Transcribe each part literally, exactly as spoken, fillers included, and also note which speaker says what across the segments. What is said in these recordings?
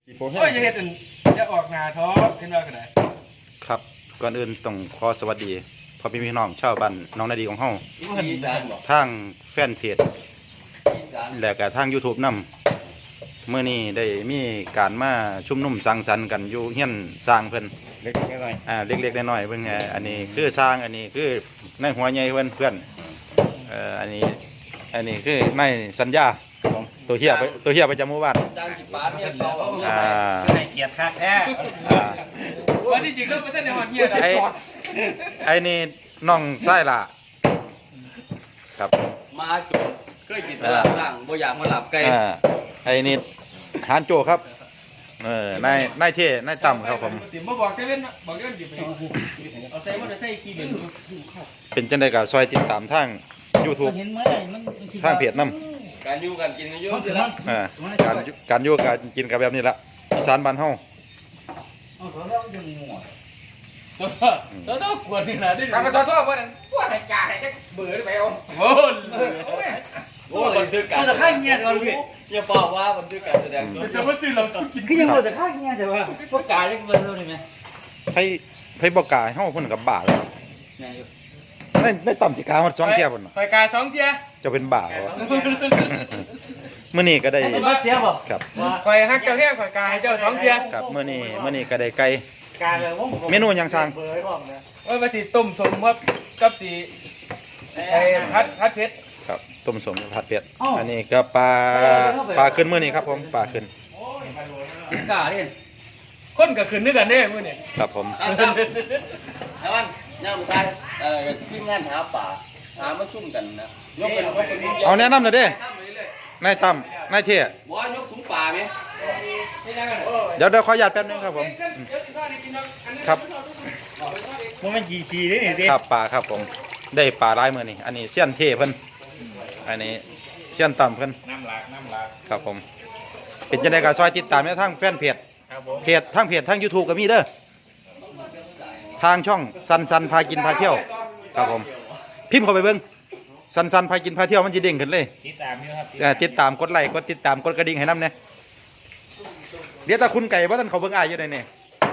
Speaker 1: โอ้ยอย่าเฮ็ดอันอย่าออกหน้าท้อเห็นว่าก็ได้
Speaker 2: ครับก่อนอื่นต้องขอสวัสดีพ่อพี่พี่น้องชาวบ้านน้องนาดีของเฮาทางแฟนเพจและก็ทาง YouTube นำเมื่อนี้ได้มีการมาชุมนุมสังสรรค์กันอยู่เฮียนสร้างเพิ่นเล็กๆน้อยๆอ่าเล็กๆน้อยๆเพิ่นไงอันนี้คือสร้างอันนี้คือในหัวใหญ่เพิ่นเพื่อนเอ่ออันนี้อันนี้คือในสัญญาตัวเฮียไปตัวเฮียประจำหมู่บ้าน
Speaker 3: จ้างกี่บาทเนี่ยเราเอา
Speaker 2: อ่า
Speaker 1: ให้เกียรติคักแท้
Speaker 2: อ่า
Speaker 1: วันที่จริงแล้วบ่ทันได้ฮอดเฮีย
Speaker 2: ไอ้ไอ้นี่น้องไส้ล่ะครับ
Speaker 3: มาจุดเคยกินตลาดล่างบ่อยากมาหลับไก่
Speaker 2: อ่าไอ้นี่ฮานโจครับเออนายนายเท่นายต่ำครับผม
Speaker 1: ติบ่บอกเจ้าเว้นบอกเจ้าเว้นสิไปเอาใส่มอเตอร์ไซค์ขี่เดิน
Speaker 2: เป็นจังได๋ก็ซอยติดตามทาง YouTube ทางเพจนำ
Speaker 3: การอยู่กันกินกันเยอะสิละ
Speaker 2: อ่าการอยู่การอยู่การกินกันแบบนี้ละอีสานบ้านเฮา
Speaker 3: เอาเขาแล้วยังงัว
Speaker 1: โซ่โซ่กวนนี่นะดิ
Speaker 4: ทำมาโทษโทษว่าพวกไอ้กาไอ้จะเบื่อหรือไปเอา
Speaker 1: โอ้ย
Speaker 3: โอ้บันทึกการแต่ข้าเงียบก่อนพี่อย่าบอกว่าบันทึกการแสดงตัว
Speaker 1: จะมาซื้อเรากิน
Speaker 3: คือยังบอกแต่ข้าเงียบแต่ว่าพวกกายเล็กเบอร์เท่านี้ไหม
Speaker 2: ไผไผบ่กล้าให้เฮาเพิ่นก็บ้าแล้วในในต่ำสิกาฮอดสองเที่ยพุ่นน่ะ
Speaker 1: ไฟกาสองเที่ย
Speaker 2: จะเป็นบ้าบ่มื้อนี้ก็ได้
Speaker 3: มาเสียบ่
Speaker 2: ครับ
Speaker 1: ไฟฮักเจ้าแท้ไฟกาให้เจ้าสองเที่ย
Speaker 2: ครับมื้อนี้มื้อนี้ก็ได้ไก่
Speaker 1: กาเลยผม
Speaker 2: เมนูหยังสั่ง
Speaker 1: ว่ามาสิต้มสมครับกับสีไอ้พัดพัดเพชร
Speaker 2: ครับต้มสมผัดเป็ดอันนี้ก็ปลาปลาขึ้นมื้อนี้ครับผมปลาขึ้น
Speaker 3: กาเล่น
Speaker 1: คนก็ขึ้นด้วยกันเด้มื้อนี้
Speaker 2: ครับผม
Speaker 3: อ่ะตั้มไอ้วันย่างมุทายเอ่อทีมงานหาป่าหามาซุ่มกันนะยกเป็นยกเป็น
Speaker 2: เอาแนะนำหน่อยเด้
Speaker 3: ตั้มไปเรื่อย
Speaker 2: นายตั้มนายเท่
Speaker 3: ๆบ่ยกถุงป่าไหม
Speaker 2: เดี๋ยวเดี๋ยวขออนุญาตแป๊บนึงครับผมครับ
Speaker 1: มันมันกี่ขีได้นี่ดิ
Speaker 2: ครับปลาครับผมได้ปลาหลายมื้อนี้อันนี้เสี้ยนเท่เพิ่นอันนี้เสี้ยนต่ำเพิ่น
Speaker 1: น้ำหลากน้ำหลาก
Speaker 2: ครับผมเป็นจังได๋ก็ซอยติดตามในทางแฟนเพจ
Speaker 1: ครับผม
Speaker 2: เพจทางเพจทาง YouTube ก็มีเด้อทางช่องสันสันพากินพาเที่ยวครับผมพิมพ์เข้าไปเบิ่งสันสันพากินพาเที่ยวมันสิเด้งขึ้นเลย
Speaker 1: ติดตามอยู่ครับ
Speaker 2: เอ่อติดตามกดไลค์กดติดตามกดกระดิ่งให้นำแน่เดี๋ยวถ้าคุณไก่บ่ทันเขาเบิ่งอ้ายอยู่ได้นี่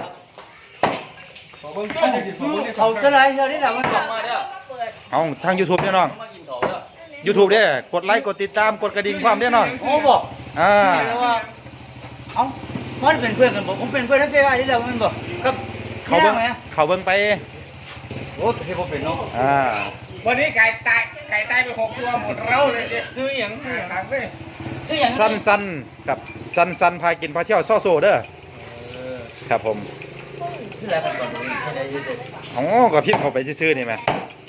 Speaker 1: ขอเบิ่งตัวหน่อยสิขอเบิ่ง
Speaker 3: เขาจะไรเท่านี้แหละมันบอกมาเด้อ
Speaker 2: เอาทาง YouTube เด้อน้อง
Speaker 3: มากินเขาเด้อ
Speaker 2: YouTube เด้อกดไลค์กดติดตามกดกระดิ่งพร้อมเด้อน้อง
Speaker 3: โอ้บอก
Speaker 2: อ่า
Speaker 3: เอ้ามันเป็นเพื่อนกันบอกผมเป็นเพื่อนทั้งเพื่อนนี่แหละมันบอกกับ
Speaker 2: เขาเบิ่งเขาเบิ่งไป
Speaker 3: โอ้เฮ้ยผมเป็นเนาะ
Speaker 2: อ่า
Speaker 4: วันนี้ไก่ตายไก่ตายไปหกตัวหมดเราเลยดิ
Speaker 1: ซื้อหยังซื้อหยัง
Speaker 4: ทางเลย
Speaker 3: ชื่ออย่าง
Speaker 2: สันสันกับสันสันพากินพาเที่ยวซ่อโซเด้อครับผม
Speaker 3: ชื่ออะไรกันก่อนเลยแค่ไหนยืดเลย
Speaker 2: อ๋อก็พิมพ์เข้าไปซื่อๆนี่แหม
Speaker 3: บ่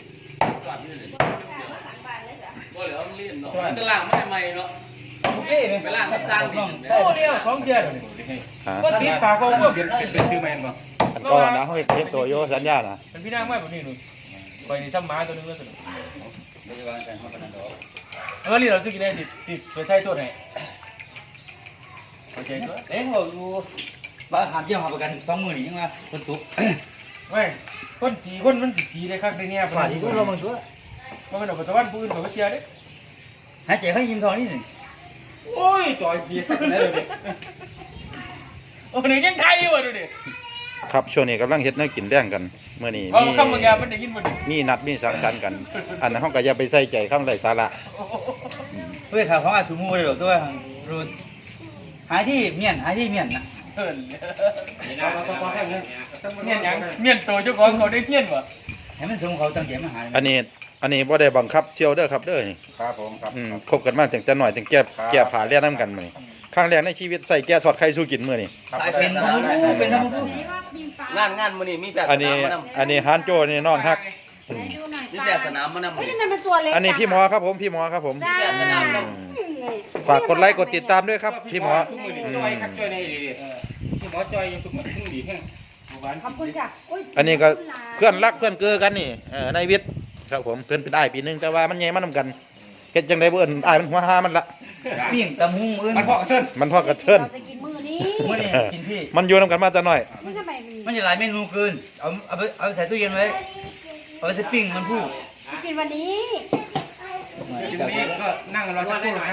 Speaker 3: เหลือมันเล่นเนาะมันจะล้างไม่ใหม่เนาะไปล้างกับสร้างดิ
Speaker 1: โอ้เดียวสองเที่ย
Speaker 2: อ่า
Speaker 1: ก็ติดฝากเขาพวก
Speaker 4: เป็นเป็นเป็นชื่อแมนป่ะ
Speaker 2: อันก่อนนะเฮาเฮ็ดเฮ็ดตัวโยสัญญานะ
Speaker 1: เป็นพี่นางไม้แบบนี้หนูคอยนี่ซ้ำหมาตัวนึงแล้วสิ
Speaker 3: ไม่ใช่ว่าการทำกันเนาะ
Speaker 1: เออนี่เราซื้อกินได้ติดติดไปใช้โทษให้โอเคก็
Speaker 3: เอ๊ะบอกดูบ้าหามเที่ยวหาประกันสองหมื่นยังไงคนสุก
Speaker 1: ไม่คนสีคนมันสีได้คักได้เนี่ย
Speaker 3: ฝ่ายที่ก็เราบางตัว
Speaker 1: มันเป็นออกปัจจุบันปืนเขาก็เชียร์เด้
Speaker 3: หายใจเขายิ้มทองนี่หนึ่ง
Speaker 1: โอ้ยจอยขี้ได้เลยโอ้นี่ยังไทยอยู่อ่ะดูดิ
Speaker 2: ครับช่วงนี้กำลังเฮ็ดแนวกินแดงกันมื้อนี้
Speaker 1: เอา
Speaker 2: มี
Speaker 1: คำบางอย่างมันได้ยินบ่ดิ
Speaker 2: มีนัดมีสังสรรค์กัน อันนั้นเฮาก็อย่าไปใส่ใจคำไร้สาระ
Speaker 3: เพื่อข่าวของอาสุมูเลยบอกตัวรู้หาที่เมียนหาที่เมียนนะ
Speaker 1: เอิ้น
Speaker 4: ต่อต่อต่อให้เลย
Speaker 1: เมียนหยังเมียนโตเจ้าของเขาได้เมียนบ่
Speaker 3: ให้มันสมเขาตั้งใจมาหา
Speaker 2: อันนี้อันนี้บ่ได้บังคับเซียวเด้อครับเด้อนี่
Speaker 4: ครับผมครับ
Speaker 2: อืมคบกันมาตั้งแต่น้อยตั้งแก่แก่ผาเลียนำกันมื้อนี้ครั้งแรกในชีวิตใส่แก่ทอดไข่สู้กินมื้อนี้
Speaker 3: สายเป็นธรรมรูเป็นธรรมรูงานงานมื้อนี้มีแบบ
Speaker 2: อันนี้อันนี้ฮานโจนี่น้องฮักอืม
Speaker 3: มีแบบสนามมานำ
Speaker 5: ไม่ได้เป็นตัวเล็ก
Speaker 2: อันนี้พี่หมอครับผมพี่หมอครับผม
Speaker 5: จ้า
Speaker 2: อืมฝากกดไลค์กดติดตามด้วยครับพี่หมอ
Speaker 4: ทุกมือจอยคัดจอยในดีพี่หมอจอยยังทุกมือทุกดีแห้ง
Speaker 5: ขอบคุณจ้ะ
Speaker 2: อันนี้ก็เพื่อนรักเพื่อนเกือกันนี่เออในวิทย์ครับผมเพื่อนเป็นอ้ายปีหนึงแต่ว่ามันใหญ่มันนำกันเฮ็ดจังได๋บ่เอิ้นอ้ายมันหัวหามันละ
Speaker 3: ปิ้งตะมุงอื่น
Speaker 4: มันพอกระเทิน
Speaker 2: มันพอกับเทิน
Speaker 5: เราจะกินมื้อนี้
Speaker 3: มื้อนี้กินพี่
Speaker 2: มันอยู่นำกันมาแต่น้อย
Speaker 5: มันจะไป
Speaker 3: มันจะหลายเมนูเกินเอาเอาไปเอาใส่ตู้เย็นไว้เอาไปใส่ปิ้งมันพูด
Speaker 5: จะกินวันนี้
Speaker 4: ทีนี้ก็นั่งรอสักครู่ครับ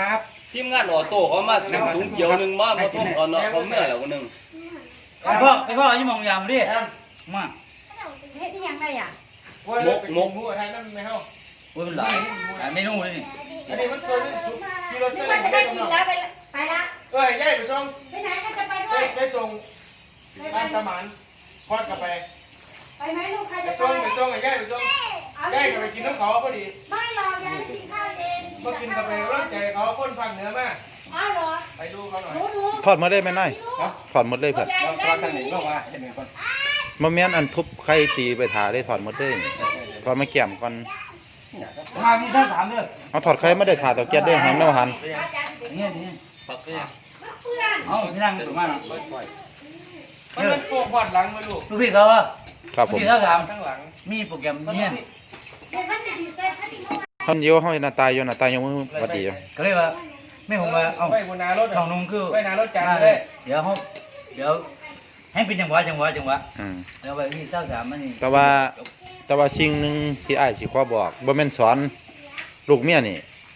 Speaker 3: ทีมงานออโต้เขามาถุงเขียวหนึ่งมามาท่วมเอาเนาะเขาเมื่อแล้วคนหนึ่ง
Speaker 1: ไปพ่อไปพ่อยี่มองยามดิมา
Speaker 5: เฮ็ดที่ยังไงอ่ะ
Speaker 3: มกมก
Speaker 4: หัวไทยนั่นไม่เข้า
Speaker 1: โอ้ยมันหลายหลายเมนูเลยนี่
Speaker 4: อันนี้มันเคยสุดที่รถ
Speaker 5: นี่
Speaker 4: เส้น
Speaker 5: มันจะ
Speaker 4: ได้
Speaker 5: ได้
Speaker 4: กำ
Speaker 5: กิน
Speaker 4: ลัง
Speaker 5: แล้วไปไปละ
Speaker 4: เอ้ยย่ายไปส่ง
Speaker 5: ไปไหนก็จะไปด้
Speaker 4: ไป
Speaker 5: วย
Speaker 4: ไปส่งบ้านตะหมันพอดกลับไป
Speaker 5: ไปไหมลูกใคร
Speaker 4: ไป
Speaker 5: จะไป
Speaker 4: ส่งไปส่งไอ้ย่ายไปส่งย่ายก็ไปกินน้ำเขาพอดี
Speaker 5: ไม่หรอกยายไปกินข้าวเอง
Speaker 4: มากินกาแฟร่างใจเขาคนฟังเหนือมา
Speaker 5: อ้าวเหรอ
Speaker 4: ไปดูเขาหน่อย
Speaker 5: หนูหนู
Speaker 2: ถอดหมดเลยแม่นายถอดหมดเลยเพิ่น
Speaker 4: เราตอนทางไหนบอกว่าจะเป็นคน
Speaker 2: บ่แม่นอันทุบไข่ตีไปถาได้ถอดหมดเลยถอดมาแก้มก่อน
Speaker 1: มามีทั้งสามเด้อ
Speaker 2: เอาถอดไข่ไม่ได้ถาตะเกียบเด้อหันแนวหัน
Speaker 1: นี่นี่
Speaker 3: ปักเนี่ย
Speaker 5: เพื่อน
Speaker 1: เอาที่นั่งตัวมาเนาะ
Speaker 4: มันมันโป่งพอดหลังมาลูก
Speaker 1: ลูกพี่เขาว่า
Speaker 2: ครับผม
Speaker 1: พี่เขาถาม
Speaker 4: ข้างหลัง
Speaker 1: มีโปรแกรมเนี่ย
Speaker 5: เดี๋ยวมันจะดีใจถ้าที่น้อง
Speaker 2: ท่านเดียวเฮาหน้าตายอยู่หน้าตายยังบ่หวัดดีอยู่
Speaker 1: ก็เลยว่าไม่ผมว่าเอ้า
Speaker 4: ไปบนนารถ
Speaker 1: ของนุ่งคือ
Speaker 4: ไปนารถจานเลย
Speaker 1: เดี๋ยวเขาเดี๋ยวให้เป็นจังหวะจังหวะจังหวะ
Speaker 2: อืม
Speaker 1: แล้วไปที่เจ้าสามมันนี่
Speaker 2: แต่ว่าแต่ว่าสิ่งหนึงที่อ้ายสิขอบอกบ่แม่นสอนลูกเมียนี่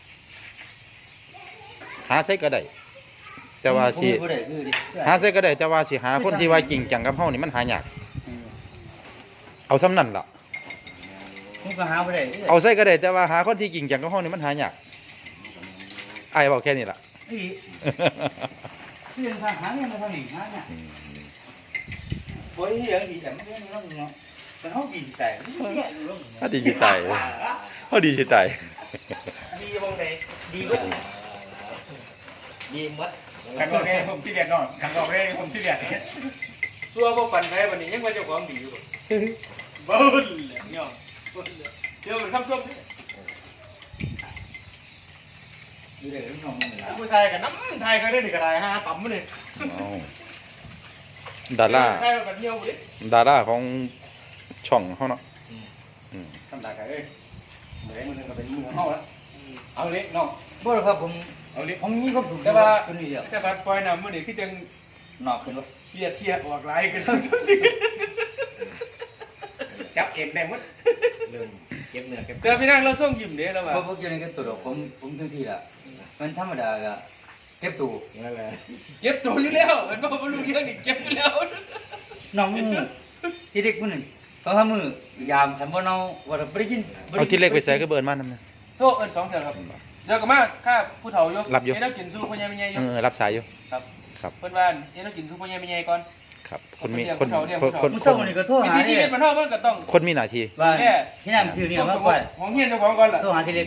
Speaker 2: หาใส่ก็ได้แต่ว่าสิ
Speaker 1: ผมบ่ได้คือดิ
Speaker 2: หาใส่ก็ได้แต่ว่าสิหาคนที่ว่าจริงจังกับเฮานี่มันหายากเอาซ้ำนั่นล่ะ
Speaker 1: ผมก็หาบ่ได้
Speaker 2: เอาใส่ก็ได้แต่ว่าหาคนที่จริงจังกับเฮานี่มันหายากอ้ายบอกแค่นี้ล่ะ
Speaker 1: อีเรื่องทางหาเงินมาทางนี้หาเนี่ย
Speaker 2: อืม
Speaker 1: โอ้ยเรื่องดีแต่ไม่ได้เรื่องเนาะแต่เขาดีแต่เนี่ยเรื่อง
Speaker 2: เฮาดีสิตายเฮาดีสิตาย
Speaker 1: ดีบางไหนดีก็ดีมัด
Speaker 4: ขันบอกเลยผมที่เดียดนอนขันบอกเลยผมที่เดียดซัวพวกปั่นไปวันนี้ยังว่าเจ้าของดีอยู่บ้าเลยเนี่ยเดี๋ยวมันคำส้ม
Speaker 1: ดีเลยน้องมึงเลย
Speaker 4: ผู้ไทยกับน้ำไทยก็ได้หนึ่งกระไรฮะต่ำมาเลย
Speaker 2: เอาดารา
Speaker 4: ไทยกับเที่ยวดิ
Speaker 2: ดาราของช่องเฮาเนาะอืม
Speaker 4: ทำได้กันเอ้ยเหมือนมือก็เป็นมือเข้าแล้วเอาเล็กน้อง
Speaker 1: บ่หรอกครับผม
Speaker 4: เอาเล็ก
Speaker 1: ผมมีความสุข
Speaker 4: แต่ว่า
Speaker 1: คนนี้เดียว
Speaker 4: แต่ว่าปล่อยน้ำมือนี่คือจัง
Speaker 1: นอกขึ้นรถ
Speaker 4: เทียเทียออกลายกันทั้งชุดจริงจับเอกได้หมด
Speaker 1: เรื่องเก็บเนื้อเก็บ
Speaker 4: แต่พี่นั่งเราส่งยิ้มเด้แล้วว่า
Speaker 1: เพราะพวกอยู่ในเก็บตัวดอกผมผมทั้งทีละมันธรรมดาก็เก็บตัวนั่นแหละ
Speaker 4: เก็บตัวอยู่แล้วมันบอกว่าลูกยังนี่เก็บอยู่แล้ว
Speaker 1: น้องมึงที่เด็กคนหนึ่งเขาทำมือยามฉันบ่เนาว่าเราบ่ได้กิน
Speaker 2: เอาที่เล็กไปใส่ก็เบิร์นมานำนะ
Speaker 4: โทษเอิญสองเถื่อครับเดี๋ยวก็มาข้าผู้เฒ่าอยู่
Speaker 2: รับอยู่
Speaker 4: เอ็นเรากินสู้พ่อใหญ่แม่ใหญ่อ
Speaker 2: เอยู่ อรับสายอยู่
Speaker 4: ครับ
Speaker 2: ครับ
Speaker 4: เพิ่นว่าเอ็นเรากินสู้พ่อใหญ่แม่ใหญ่ก่อน
Speaker 2: ครับคนมี
Speaker 4: เรียก
Speaker 2: คน
Speaker 4: ผู้เฒ่าเรียก
Speaker 2: คน
Speaker 4: ผู้
Speaker 2: คน
Speaker 4: เฒ่า
Speaker 1: มึง
Speaker 2: ค
Speaker 1: ส่ง
Speaker 2: น
Speaker 1: นี่ก็โทร
Speaker 4: วิ
Speaker 1: หา
Speaker 4: ธีชี
Speaker 1: เนี่
Speaker 4: วิ
Speaker 1: ย
Speaker 4: ตมันเท่ามันก็ต้อง
Speaker 2: คนมีหน้าที่
Speaker 1: ว่าพี่นำชื่อนี่มาก่อน
Speaker 4: ของเฮียนเจ้าของก่อนล่ะ
Speaker 1: โทรหาที่เล็ก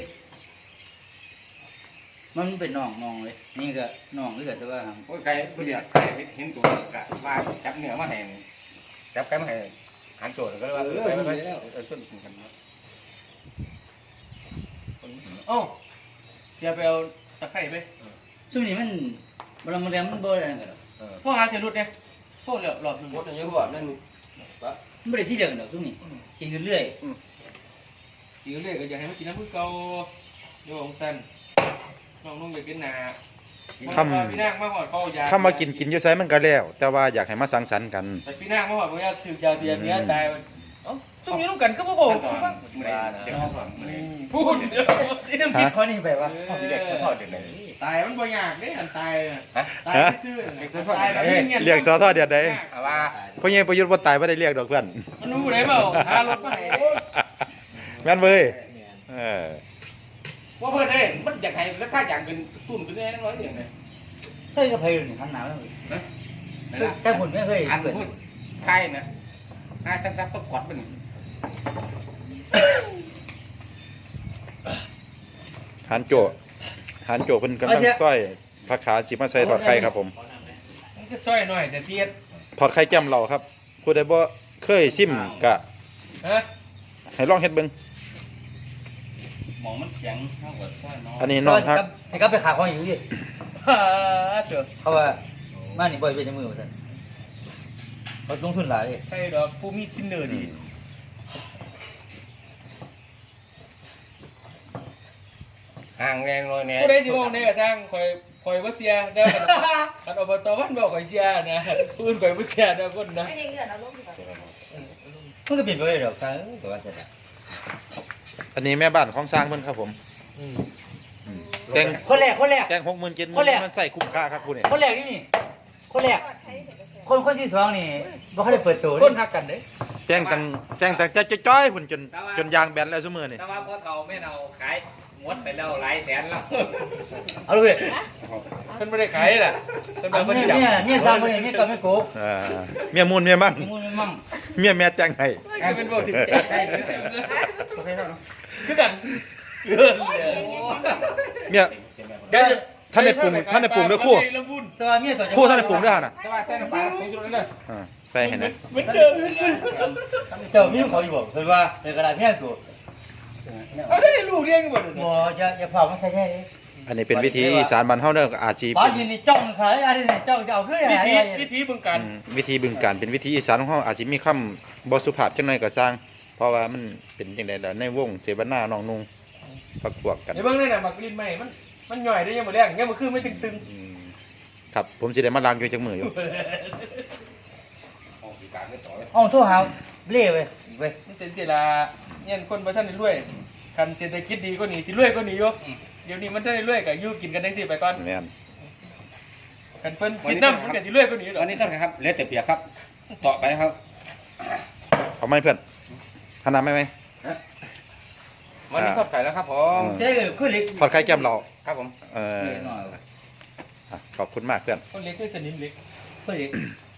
Speaker 1: มันเป็นน้องน้องเลยนี่ก็น้องหรือก็แต่ว่า
Speaker 4: โอ้ยไก่ผู้เดียวไก่เห็นตัวกะว่าจับเนื้อมาให้จับไก่มาให้หันโจทย์ก็เลยว่าเออไปแล้วเออชนกันนะ
Speaker 3: โอ้เสียไปเอาตะไคร้ไป
Speaker 1: ช่วงนี้มันบ่ละมันแรงมันบ่ได้นั่นกันหรอก
Speaker 3: พ่อหาเสียรุดเนี่ยพ่อเหลือหลอดหนึ่ง
Speaker 4: หมดอย่างนี้บอกนั่น
Speaker 1: มันบ่ได้สิเดียวกันดอกช่วงนี้กินเรื่อย
Speaker 3: กินเรื่อยก็อยากให้มันกินน้ำพึ่งเกาโยงสั้นน้องนุ่งอยากกินหนา
Speaker 2: คำ
Speaker 3: พี่นางมาหอดเขายา
Speaker 2: คำว่ากินกินอยู่ไสมันก็แล้ว แต่ว่าอยากให้มาสังสรรค์กัน
Speaker 3: แต่พี่นางมาหอดเขาอยากถือยาเบียร์เนี้ยตายมันเอ้าช่วงนี้ต้องกันก็บ่บอกคือว่า
Speaker 4: พูดเดี๋ยว
Speaker 1: ๆที่ต้องคิดข้อนี้ไปว่า
Speaker 4: ที่เด็กเขาทอดเด็กเลย
Speaker 3: ตายมันบ่อยากเด้อันตายน่ะ
Speaker 4: ฮะ
Speaker 3: ตายซื่อๆตายแบบเงี้ย
Speaker 2: เรียกสอทอเดือดใด
Speaker 4: เอาว่า
Speaker 2: เพราะยังประยุทธ์บ่ตายบ่ได้เรียกดอกเพื่อน
Speaker 3: มันรู้ได้เปล่าหารถมาให้
Speaker 2: แม่นเว้ยเออ
Speaker 4: ว่าเพื่อนเอ้มันอยากให้แล้วค่าอย่างเป็นตุ่นเป็นแน่นอนอย่างไร
Speaker 1: เฮ้ยก็เพลนี่หันหน้าแล้วแต่ผลไม่เคย
Speaker 4: อัน
Speaker 1: เกิด
Speaker 4: พูดใครนะนายตั้งแต่ประกวดมัน
Speaker 2: หานโจหานโจเพิ่นกำลังซอยผักขาสิมาใส่ทอดไข่ครับผม
Speaker 3: มันจะซอยหน่อยแต่เทียด
Speaker 2: ทอดไข่แจ่มเราครับผู้ใดบ่เคยชิมก็
Speaker 3: ฮะ
Speaker 2: ให้ลองเฮ็ดเบิ่ง
Speaker 3: หมองมันแข็งเท่ากับซอยน้อง
Speaker 2: อันนี้น้องฮัก
Speaker 1: สิกลับไปขาของอยู่ดิ
Speaker 3: ฮ่าเจ้า
Speaker 1: เขาว่ามานี่บ่อยเป็นจังมือว่าซั่นเขาลงทุนหลายเลย
Speaker 3: ใช่ดอกผู้มีทินเนอร์ดี
Speaker 4: ห่างแรงเลยเนี่ย
Speaker 3: ผู้ใดสิมองได้ก็ช่างคอยคอยบ่เสียได้กันอันอบตวันบอกคอยเสียนะผู้อื่นคอยบ่เสียนะคนนะ
Speaker 5: ไม่ได้เงินเอาลูกดีกว่า
Speaker 1: มันก็เปลี่ยนไปเลยดอกตาเอ้ยก็ว่าซั่นล่ะ
Speaker 2: อันนี้แม่บ้านของสร้างเพิ่นครับผม
Speaker 3: อืม
Speaker 2: อืมแต่ง
Speaker 1: คนแรกคนแรก
Speaker 2: แต่งหกหมื่นเจ็ดหมื่
Speaker 1: คนแรก
Speaker 2: นมันใส่คุ้มค่าครับคุณเนี่ย
Speaker 1: คนแรกนี่นี่คนแรกคนคนที่สองนี่บ่เขาได้เปิดตัว
Speaker 4: คนหักกันเด้
Speaker 2: แต่งตั้งแต่งตั้งจะจ้อยๆพุ่นจนจนยางแบนแล้วซุมื้อนี่
Speaker 6: แต่ว่าพ่อเฒ่าแม่เฒ่าขายหมดไปแล้วหลายแสนแล้ว
Speaker 1: เอาเลย
Speaker 4: เพิ่นบ่ได้ขายล่ะเพิ่น
Speaker 1: อั
Speaker 4: มาน เพิ่น
Speaker 1: นี้
Speaker 4: สิดับ
Speaker 1: เนี่ยเนี่ยสร้างคนนี้เนี่ยก็ไม่โกง
Speaker 2: อ่าเมียมูลเมียมั่ง
Speaker 1: มีมูลมั่ง
Speaker 2: เมียแม่แต่งให้
Speaker 4: ก็เป็นบ่ถึงใจใกล้คือกัน
Speaker 2: เมีย
Speaker 4: เดี๋ยว
Speaker 2: ท่านได้ปรุงท่านได้ปรุงด้วยครู่
Speaker 1: แต่ว่าเมียตัวจะ
Speaker 2: ครู่ท่านได้ปรุงด้วยหั่นน่ะ
Speaker 1: แต่ว่าใส่น้ำปลาผงชูรสเลย
Speaker 2: อ่าใส่ให้นะ
Speaker 4: เหมือนเดิม
Speaker 1: เจ้ามีเขาอยู่บ่คือว่าในกระดาษเมียตัว
Speaker 4: เอาได้ลูกเลี้ยงกันบ่
Speaker 1: บ่จะจะเผามันใส่แค่นี้
Speaker 2: อันนี้เป็นวิธีอีสานบ้านเฮาเด้อก็อาจสิ
Speaker 1: ป้า
Speaker 2: เป็น
Speaker 1: ยืนนี่จ้องขายอะไรนี่จ้องจะเอาขึ้น
Speaker 4: วิ
Speaker 1: อะไร
Speaker 4: ธีวิธีบึงการ
Speaker 2: อืมวิธีบึงการเป็นวิธีอีสานของเฮาอาจสิมีคำบ่สุภาพจังหน่อยก็สร้าง เพราะว่ามันเป็นจังได๋ล่ะในวงเจบนาน้องนุ่งพักพวกกัน
Speaker 4: ไอ้เบิ่งนั่นน่ะมักลิ้นใหม่มันมันย่อยได้ยังบ่แรงยังบ่คือไม่ตึง
Speaker 2: อืมครับผมสิได้มาล้างอยู่จักมืออยู่
Speaker 1: อ๋อโทรหาเล่เว้ยเว้ย
Speaker 4: ๆนี่เป็นสิล่ะเนี่ยคนบ่ทันได้รวยคันเศรษฐกิจดีกว่านี้สิรวยกว่านี้อยู่เดี๋ยวนี้มันทันได้รวยก็อยู่กินกันจังซี่ไปก่อน
Speaker 2: แม่น
Speaker 4: คันเพิ่นคิดนำมันก็สิรวยกว่านี้ดอก
Speaker 3: วันนี้ท่านครับเหลือแต่เปียกครับต่อไปนะครับ
Speaker 2: เอาไหมเพื่อนหันหน้าไหมไหม
Speaker 3: วันนี้ทอดไก่แล้วครับผม
Speaker 1: เจ๊ก็ขึ้นเล็ก
Speaker 2: ทอดไข่แก้มเรา
Speaker 3: ครับผม
Speaker 2: เออ
Speaker 1: หน่อย
Speaker 2: อ่ะขอบคุณมากเพื่อน
Speaker 4: คนเล็กคือสนิมเล็ก
Speaker 1: ขึ้นเล็ก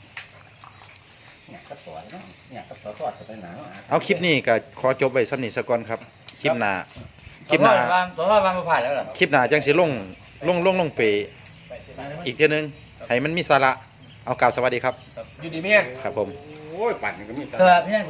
Speaker 3: เนี่ยกระต่อยเนาะเนี่ยกระต่อยทอดจะไปหนา
Speaker 2: เอาคลิปนี้ก็ขอจบไว้สำนีสก่อนครับ คลิปหน้า คลิปห
Speaker 1: น้า
Speaker 2: น้า
Speaker 1: วางตัวว่าวางมาผ่านแล้วเหรอ
Speaker 2: คลิปหน้าจังสิลง ลง ลง ลงเปอีกเทีนึง ให้มันมีสาระ เอากล่าวสวัสดีครับ
Speaker 4: อยู่ดีเมีย
Speaker 2: ครับผม
Speaker 3: โอ้ยปั่นก็มี
Speaker 1: เออพี่นั่น